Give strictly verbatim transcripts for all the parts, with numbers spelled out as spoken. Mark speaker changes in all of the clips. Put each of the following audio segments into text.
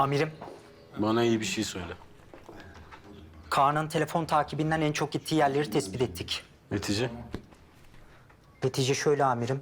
Speaker 1: Amirim,
Speaker 2: Bana iyi bir şey söyle.
Speaker 1: Kaan'ın telefon takibinden en çok gittiği yerleri tespit ettik.
Speaker 2: Netice?
Speaker 1: Netice şöyle amirim.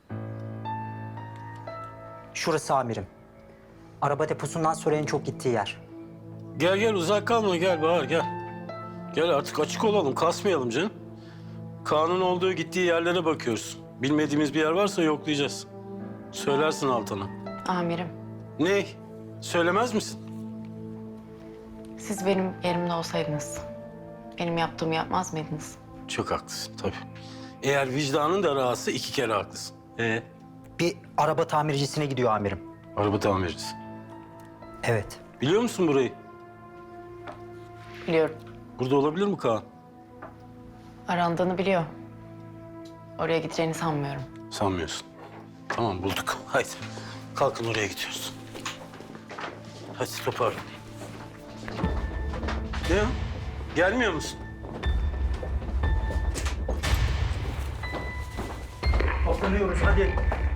Speaker 1: Şurası amirim. Araba deposundan sonra en çok gittiği yer.
Speaker 2: Gel gel uzak kalma gel Bahar gel. Gel artık açık olalım kasmayalım canım. Kaan'ın olduğu gittiği yerlere bakıyoruz. Bilmediğimiz bir yer varsa yoklayacağız. Söylersin Altan'a.
Speaker 3: Amirim,
Speaker 2: Ne? Söylemez misin?
Speaker 3: siz benim yerimde olsaydınız benim yaptığımı yapmaz mıydınız?
Speaker 2: Çok haklısın tabii. Eğer vicdanın da rahatsız iki kere haklısın. Ee?
Speaker 1: Bir araba tamircisine gidiyor amirim.
Speaker 2: Araba tamircisi.
Speaker 1: Evet.
Speaker 2: Biliyor musun burayı?
Speaker 3: Biliyorum.
Speaker 2: Burada olabilir mi Kaan?
Speaker 3: Arandığını biliyor. Oraya gideceğini sanmıyorum.
Speaker 2: Sanmıyorsun. Tamam bulduk. Haydi. Kalkın oraya gidiyoruz. Hadi toparlan. Ne ya? Gelmiyor musun?
Speaker 1: Toplanıyoruz hadi.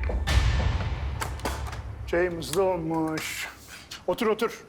Speaker 4: Çayımız da olmuş. Otur otur.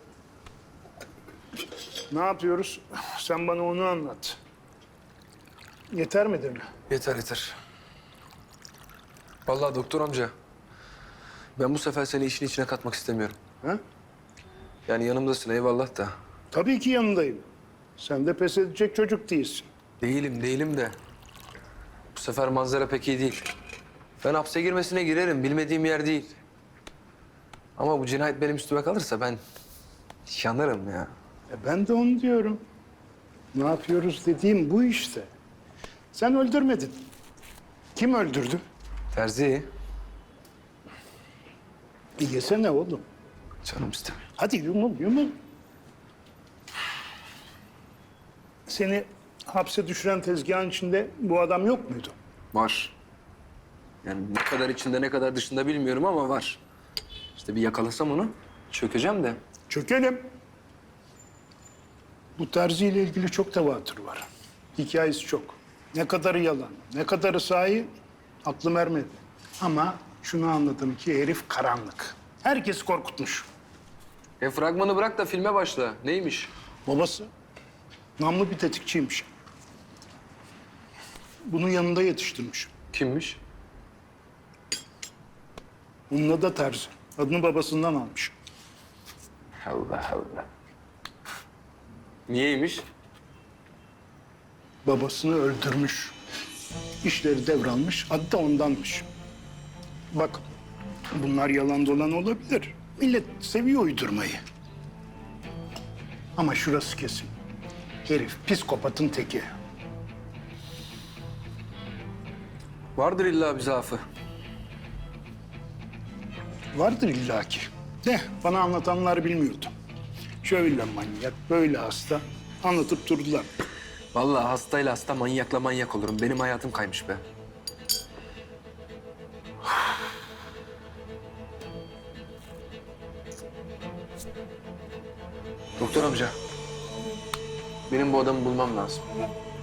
Speaker 4: Ne yapıyoruz? Sen bana onu anlat. Yeter midir mi?
Speaker 5: Yeter yeter. Vallahi doktor amca, ben bu sefer seni işin içine katmak istemiyorum.
Speaker 4: Ha?
Speaker 5: Yani yanımdasın eyvallah da.
Speaker 4: Tabii ki yanındayım. Sen de pes edecek çocuk değilsin.
Speaker 5: Değilim değilim de. Bu sefer manzara pek iyi değil. Ben hapse girmesine girerim, bilmediğim yer değil. Ama bu cinayet benim üstüme kalırsa ben yanarım ya.
Speaker 4: E ben de onu diyorum. Ne yapıyoruz dediğim bu işte. Sen öldürmedin. Kim öldürdü?
Speaker 5: Terzi,
Speaker 4: E yesene oğlum.
Speaker 5: canım istemiyor.
Speaker 4: Hadi yumul yumul. Seni hapse düşüren tezgahın içinde bu adam yok muydu?
Speaker 5: Var. Yani ne kadar içinde ne kadar dışında bilmiyorum ama var. İşte bir yakalasam onu çökeceğim de.
Speaker 4: Çökelim. Bu terziyle ilgili çok tevatür var. Hikayesi çok. Ne kadarı yalan, ne kadarı sahi aklım ermedi. Ama şunu anladım ki herif karanlık. Herkes korkutmuş.
Speaker 5: E fragmanı bırak da filme başla. Neymiş?
Speaker 4: Babası namlı bir tetikçiymiş. Bunun yanında yetiştirmiş.
Speaker 5: Kimmiş?
Speaker 4: Onun adı da Terzi. Adını babasından almış.
Speaker 5: Allah Allah. Niyeymiş?
Speaker 4: Babasını öldürmüş. İşleri devralmış, adı da ondanmış. Bak, bunlar yalan dolan olabilir. Millet seviyor uydurmayı. Ama şurası kesin. Herif psikopatın teki.
Speaker 5: Vardır illa bir zaafı.
Speaker 4: Vardır illaki. De bana anlatanlar bilmiyordu. Şöyle manyak, böyle hasta anlatıp durdular.
Speaker 5: Vallahi hastayla hasta, manyakla manyak olurum. Benim hayatım kaymış be. Doktor amca, benim bu adamı bulmam lazım.